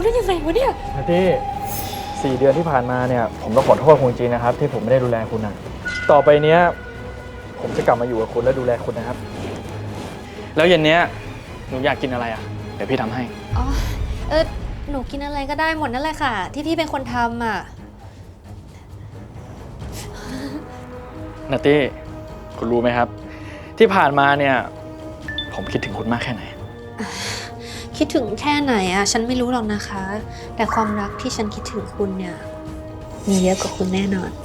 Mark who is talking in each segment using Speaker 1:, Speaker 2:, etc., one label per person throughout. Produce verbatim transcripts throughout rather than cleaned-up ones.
Speaker 1: ได้ยังไงวะเนี่ย
Speaker 2: นัตตี้สี่เดือนที่ผ่านมาเนี่ยผมต้องขอโทษคุณจริงนะครับที่ผมไม่ได้ดูแลคุณนะต่อไปเนี้ยผมจะกลับมาอยู่กับคุณและดูแลคุณนะครับแล้วเย็นเนี้ยหนูอยากกินอะไรอ่ะเดี๋ยวพี่ทำให้
Speaker 1: อ๋อเออหนูกินอะไรก็ได้หมดนั่นแหละค่ะที่พี่เป็นคนทำอ่ะ
Speaker 2: นัตตี้คุณรู้ไหมครับที่ผ่านมาเนี่ยผมคิดถึงคุณมากแค่ไหน
Speaker 1: คิดถึงแค่ไหนอ่ะฉันไม่รู้หรอกนะคะแต่ความรักที่ฉันคิดถึงคุณเนี่ยมีเยอะกว่าคุณแน่นอน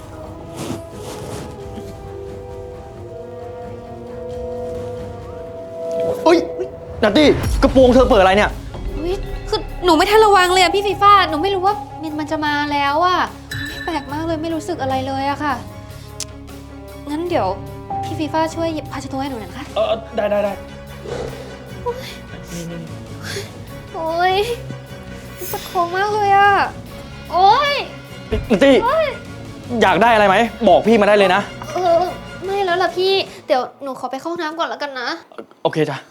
Speaker 2: เฮ้ยนัตตี้กระโปรงเธอเปิดอะไรเนี่ย
Speaker 1: คือหนูไม่ทันระวังเลยอะพี่ฟีฟ่าหนูไม่รู้ว่ามินมันจะมาแล้วอะแปลกมากเลยไม่รู้สึกอะไรเลยอะค่ะงั้นเดี๋ยวพี่ฟีฟ่าช่วยหยิบผ้าเช็ดตัวให้หนูหน่อยนะคะ
Speaker 2: เออได้ได้ได้
Speaker 1: โอ๊ยปวดท้องมากเลยอะโอ๊ย
Speaker 2: นัตตี้อยากได้อะไรไหมบอกพี่มาได้เลยนะ
Speaker 1: เออไม่แล้วล่ะพี่เดี๋ยวหนูขอไปเข้าห้องน้ำก่อนแล้วกันนะ
Speaker 2: โอเคจ้ะ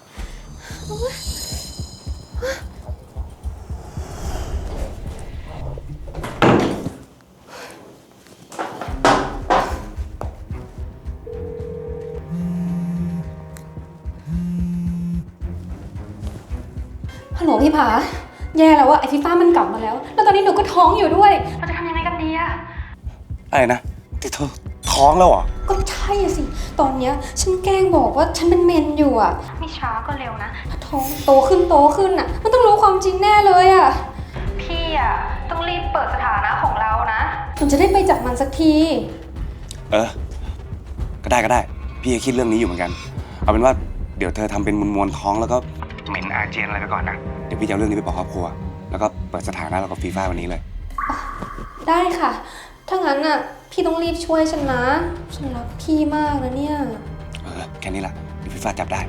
Speaker 1: ฮัลโหลพี่ผาแย่แล้วอะไอฟีฟ่ามันกลับมาแล้วแล้วตอนนี้หนูก็ท้องอยู่ด้วยเราจะทำยังไงกันดีอะ
Speaker 3: อะไรนะที่เธอท้องแล้วเหรอ
Speaker 1: ก็ใช่สิตอนเนี้ยฉันแกล้งบอกว่าฉันเป็นเมนอยู่อะไม่ช้าก็เร็วนะถ้าท้องโตขึ้นโตขึ้นอะมันต้องรู้ความจริงแน่เลยอะพี่อะต้องรีบเปิดสถานะของเรานะมันจะได้ไปจากมันสักที
Speaker 3: เออก็ได้ก็ได้พี่คิดเรื่องนี้อยู่เหมือนกันเอาเป็นว่าเดี๋ยวเธอทำเป็นมวลๆท้องแล้วก็เหม็นอาเจียนอะไรไปก่อนนะเดี๋ยวพี่จะเอาเรื่องนี้ไปบอกครอบครัวแล้วก็เปิดสถานะเรากับฟีฟ่าวันนี้เลย
Speaker 1: ได้ค่ะถ้างั้นน่ะพี่ต้องรีบช่วยฉันนะฉันรักพี่มากนะเนี่ย
Speaker 3: เออแค่นี้แหละเดี๋ยวฟีฟ่าจับได้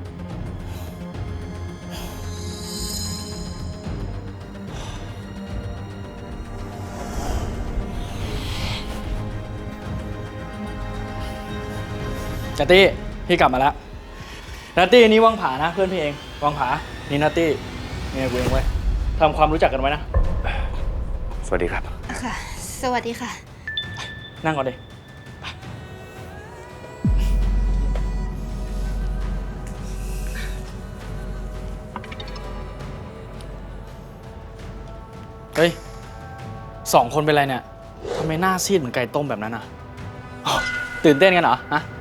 Speaker 2: นัตตี้พี่กลับมาแล้วนัตตี้นี่วังผานะเพื่อนพี่เองวังผานี่นัตตี้เนี่ยกูเองไว้ทำความรู้จักกันไว้นะ
Speaker 3: สวัสดีครับ
Speaker 1: ค่ะสวัสดีค่ะ
Speaker 2: นั่งก่อนดิเฮ้ยสองคนเป็นไรเนี่ยทำไมหน้าซีดเหมือนไก่ต้มแบบนั้นอ่ะตื่นเต้นกันเหรอฮะ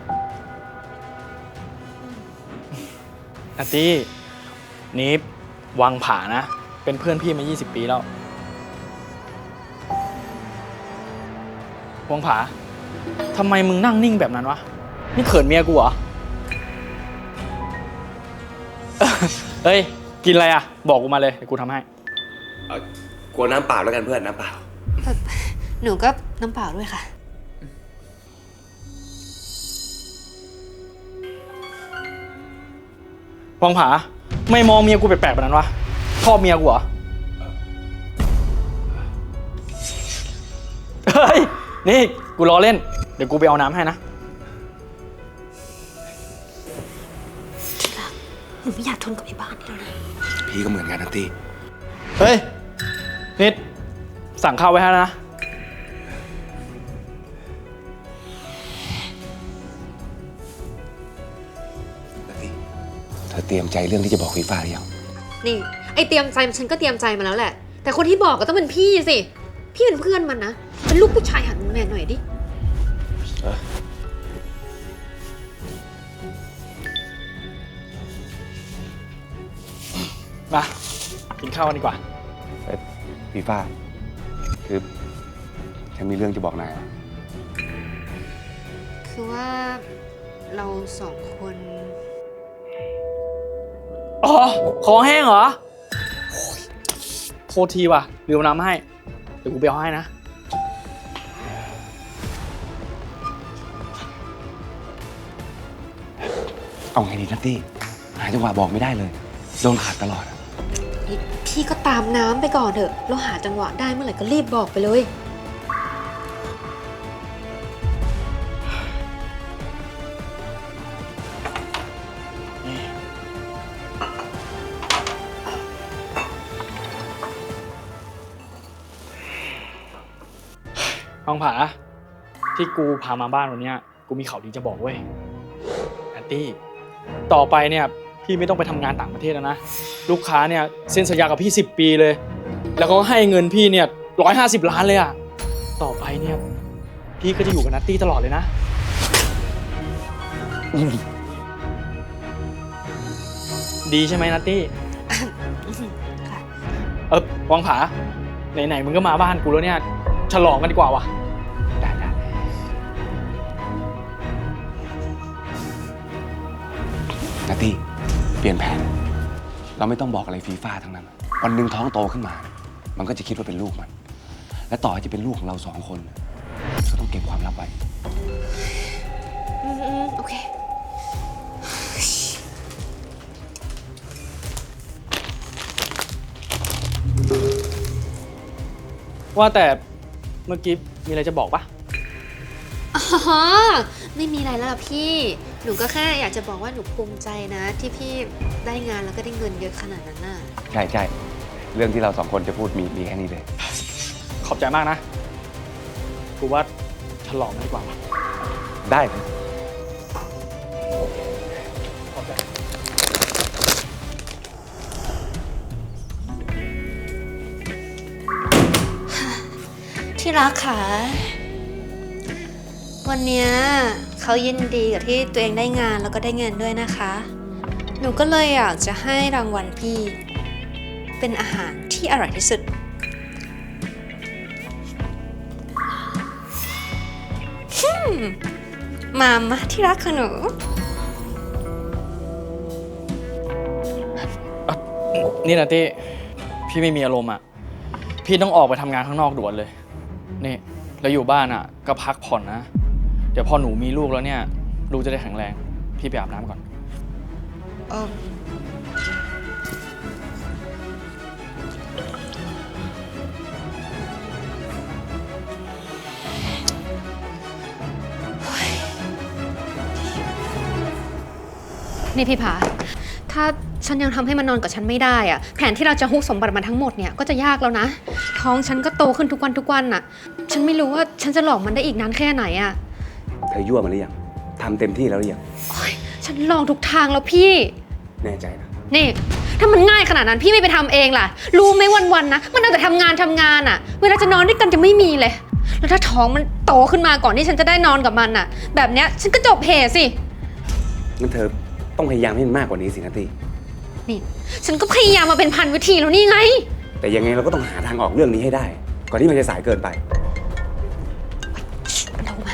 Speaker 2: นัตตี้นี่วังผานะเป็นเพื่อนพี่มายี่สิบปีแล้ววังผาทำไมมึงนั่งนิ่งแบบนั้นวะนี่เขินเมียกูเหรอเฮ้ยกินอะไรอ่ะบอกกูมาเลยเดี๋ยวกูทำให้
Speaker 3: กลัวน้ำเปล่าแล้วกันเพื่อนน้ำเปล่า
Speaker 1: หนูก็น้ำเปล่าด้วยค่ะ
Speaker 2: วังผาไม่มองเมียกูแปลกๆแบบนั้นวะชอบเมียกูเหรอเฮ้ยนี่กูล้อเล่นเดี๋ยวกูไปเอาน้ำให้นะ
Speaker 1: ที่รักหนูไม่อยากทนกับไอ้บ้านนี้แล้วนะ
Speaker 3: พี่ก็เหมือนกันนัตตี้
Speaker 2: เฮ้ยนิดสั่งข้าวไว้ให้นะ
Speaker 3: นัตตี้เธอเตรียมใจเรื่องที่จะบอกฟีฟ่าหรือยัง
Speaker 1: นี่ไอเตรียมใจฉันก็เตรียมใจมาแล้วแหละแต่คนที่บอกก็ต้องเป็นพี่สิพี่เป็นเพื่อนมันนะเป็นลูกผู้ชายหัดแมนหน่อยดิ
Speaker 2: มากินข้าวกันดีกว่า
Speaker 3: ฟีฟ่าคือฉันมีเรื่องจะบอกนาย
Speaker 1: คือว่าเราสองคน
Speaker 2: อ๋อคอแห้งเหรอโทษทีว่ะลืมน้ำให้เดี๋ยวกูไปเอาให้นะ
Speaker 3: เอาไงดีนัตตี้หาจังหวะบอกไม่ได้เลยโดนขาดตลอด
Speaker 1: พี่ก็ตามน้ำไปก่อนเถอะแล้วหาจังหวะได้เมื่อไหร่ก็รีบบอกไปเลย
Speaker 2: วังผาที่กูพามาบ้านวันเนี้ยกูมีข่าวดีจะบอกเว้ยแอนตี้ต่อไปเนี่ยพี่ไม่ต้องไปทำงานต่างประเทศแล้วนะลูกค้าเนี่ยเซ็นสัญญากับพี่สิบปีเลยแล้วก็ให้เงินพี่เนี่ยร้อยห้าสิบล้านเลยอะต่อไปเนี่ยพี่ก็จะอยู่กับนัตตี้ตลอดเลยนะดีใช่ไหมนัตตี้เออวังผาไหนๆมึงก็มาบ้านกูแล้วเนี่ยฉลองกันดีกว่าวะได้ได้
Speaker 3: นัตตี้เปลี่ยนแผนเราไม่ต้องบอกอะไรฟีฟ่าทั้งนั้นวันหนึ่งท้องโตขึ้นมามันก็จะคิดว่าเป็นลูกมันและต่อให้จะเป็นลูกของเราสองคนก็ต้องเก็บความลับไว้
Speaker 1: อืมโอเค
Speaker 2: ว่าแต่เมื่อกี้มีอะไรจะบอกปะ
Speaker 4: อ๋อไม่มีอะไรแล้วล่ะพี่ หนูก็แค่อยากจะบอกว่าหนูภูมิใจนะ ที่พี่ได้งานแล้วก็ได้เงินเยอะขนาดนั้นน่ะ
Speaker 3: ใช่ใช่เรื่องที่เราสองคนจะพูดมีมีแค่นี้เลย
Speaker 2: ขอบใจมากนะกูว่าฉลองกันดีกว่าวะ
Speaker 3: ได้
Speaker 2: ขอบใจ
Speaker 4: ที่รักค่ะ วันเนี้ยเขายินดีกับที่ตัวเองได้งานแล้วก็ได้เงินด้วยนะคะ หนูก็เลยอยากจะให้รางวัลพี่ เป็นอาหารที่อร่อยที่สุด ฮึมมามาที่รักค่ะหนู
Speaker 2: นี่นะตี้พี่ไม่มีอารมณ์อ่ะพี่ต้องออกไปทำงานข้างนอกด่วนเลยนี่แล้วอยู่บ้านอ่ะก็พักผ่อนนะเดี๋ยวพอหนูมีลูกแล้วเนี่ยลูกจะได้แข็งแรงพี่ไปอาบน้ำก่อน
Speaker 4: เออนี่พี่ผา ถ้าฉันยังทำให้มันนอนกับฉันไม่ได้อะแผนที่เราจะฮุบสมบัติมันทั้งหมดเนี่ยก็จะยากแล้วนะ ท้องฉันก็โตขึ้นทุกวันทุกวันน่ะ ฉันไม่รู้ว่าฉันจะหลอกมันได้อีกนานแค่ไหนอะ
Speaker 3: เธอยั่วมันหรือยังทำเต็มที่แล้วหรือยัง
Speaker 4: โอ๊ยฉันลองทุกทางแล้วพี่
Speaker 3: แน่ใจนะ
Speaker 4: นี่ ถ้ามันง่ายขนาดนั้นพี่ไม่ไปทำเองล่ะ รู้ไหมวันๆนะ มันเอาแต่ทำงานทำงานอะเวลาจะนอนด้วยกันจะไม่มีเลย แล้วถ้าท้องมันโตขึ้นมาก่อนที่ฉันจะได้นอนกับมันอะแบบเนี้ยฉันก็จบเหตุสิ
Speaker 3: งั้นเธอต้องพยายามให้มันมากกว่านี้สินัตตี้
Speaker 4: นี่ ฉันก็พยายามมาเป็นพันวิธีแล้วนี่ไง
Speaker 3: แต่ยังไงเราก็ต้องหาทางออกเรื่องนี้ให้ได้ ก่อนที่มันจะสายเกินไป
Speaker 4: ลงมา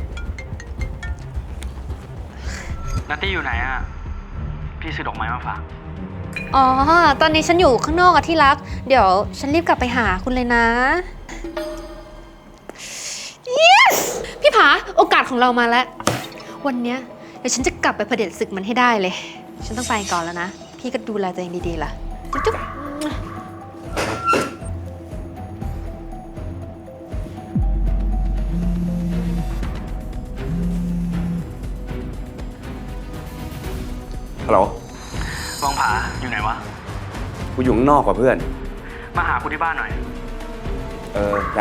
Speaker 2: นัตตี้อยู่ไหนอ่ะพี่ซื้อดอกไม้มาฝาก
Speaker 4: อ๋อ ตอนนี้ฉันอยู่ข้างนอกอะที่รัก เดี๋ยวฉันรีบกลับไปหาคุณเลยนะ yes พี่ผา โอกาสของเรามาแล้ว วันเนี้ยเดี๋ยวฉันจะกลับไปเผด็จศึกมันให้ได้เลย ฉันต้องไปก่อนแล้วนะ พี่ก็ดูแลตัวเองดีๆล่ะ จุ๊บจุ๊บ
Speaker 3: ฮัลโหล
Speaker 2: วังผาอยู่ไหนวะ
Speaker 3: กูอยู่ข้างนอกกว่าเพื่อน
Speaker 2: มาหากูที่บ้านหน่อย
Speaker 3: เออ ได้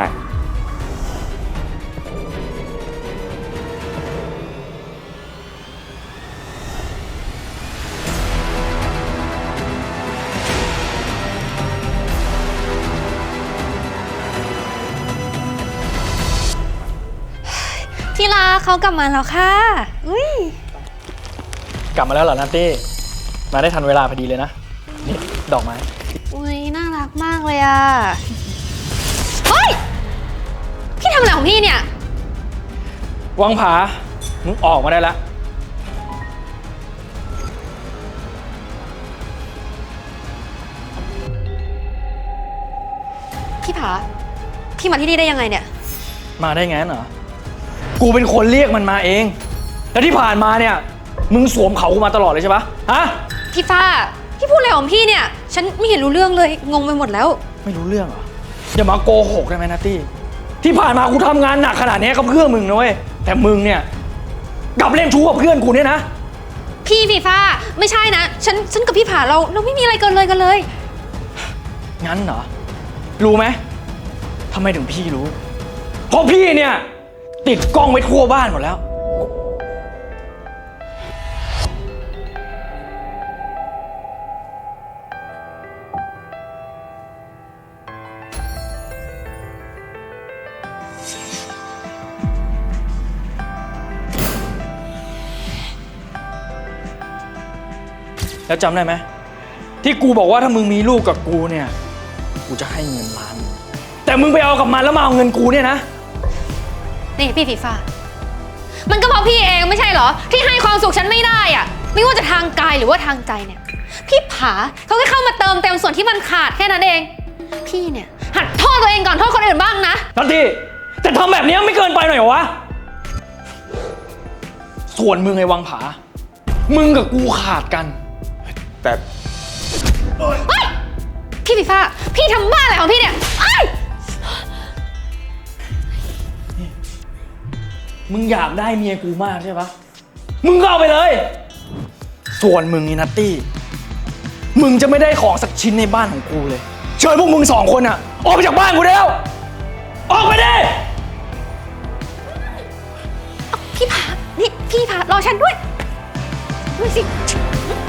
Speaker 4: ที่รักเขากลับมาแล้วค่ะ อุ้ย
Speaker 2: กลับมาแล้วเหรอนัตตี้มาได้ทันเวลาพอดีเลยนะนี่ดอกไม้
Speaker 4: อุ้ยน่ารักมากเลยอ่ะ เฮ้ย พี่ทำอะไรของพี่เนี่ย
Speaker 2: วังผามึงออกมาได้แล้ว
Speaker 4: พี่ผา พี่มาที่นี่ได้ยังไงเนี่ย
Speaker 2: มาได้ไงเหรอกูเป็นคนเรียกมันมาเองแล้วที่ผ่านมาเนี่ยมึงสวมเขากูมาตลอดเลยใช่ปะฮะ
Speaker 4: พี่ฟ้า พี่พูดอะไรของพี่เนี่ย ฉันไม่เห็นรู้เรื่องเลย งงไปหมดแล้ว
Speaker 2: ไม่รู้เรื่องเหรออย่ามาโกหกได้ไหมนัตตี้ที่ผ่านมากูทำงานหนักขนาดนี้ก็เพื่อมึงนะเว้ยแต่มึงเนี่ยกลับเล่นชู้กับเพื่อนกูเนี่ยนะ
Speaker 4: พี่พี่ฟ้า ไม่ใช่นะ ฉัน ฉันกับพี่ผาเรา เราไม่มีอะไรเกินเลยกันเลย
Speaker 2: งั้นเหรอรู้ไหมทำไมถึงพี่รู้ เพเพราะพี่เนี่ย ติดกล้องไว้ทั่วบ้านหมดแล้ว แล้วจำได้ไหมที่กูบอกว่าถ้ามึงมีลูกกับกูเนี่ย กูจะให้เงินล้าน แต่มึงไปเอากับมันแล้วมาเอาเงินกูเนี่ยนะ
Speaker 4: นี่พี่ฟีฟ่ามันก็เพราะพี่เองไม่ใช่เหรอ ที่ให้ความสุขฉันไม่ได้อะไม่ว่าจะทางกายหรือว่าทางใจเนี่ย พี่ผาเขาก็เข้ามาเติมเต็มส่วนที่มันขาดแค่นั้นเอง พี่เนี่ยหัดโทษตัวเองก่อนโทษคนอื่นบ้างนะ
Speaker 2: ทันทีแต่ทำแบบนี้ไม่เกินไปหน่อยเหรอวะ ส่วนมึงไอ้วังผา มึงกับกูขาดกัน
Speaker 3: แต่
Speaker 4: เฮ้ยพี่ฟีฟ่าพี่ทำบ้าอะไรของพี่เนี่ยเอ้ย
Speaker 2: มึงอยากได้เมียกูมากใช่ปะมึงก็เอาไปเลย ส่วนมึงนี่นัตตี้ มึงจะไม่ได้ของสักชิ้นในบ้านของกูเลย เชิญพวกมึงสองคนอะออกไปจากบ้านกูได้แล้ว ออกไปดิ
Speaker 4: พี่ผานี่พี่ผารอฉันด้วยด้วยสิ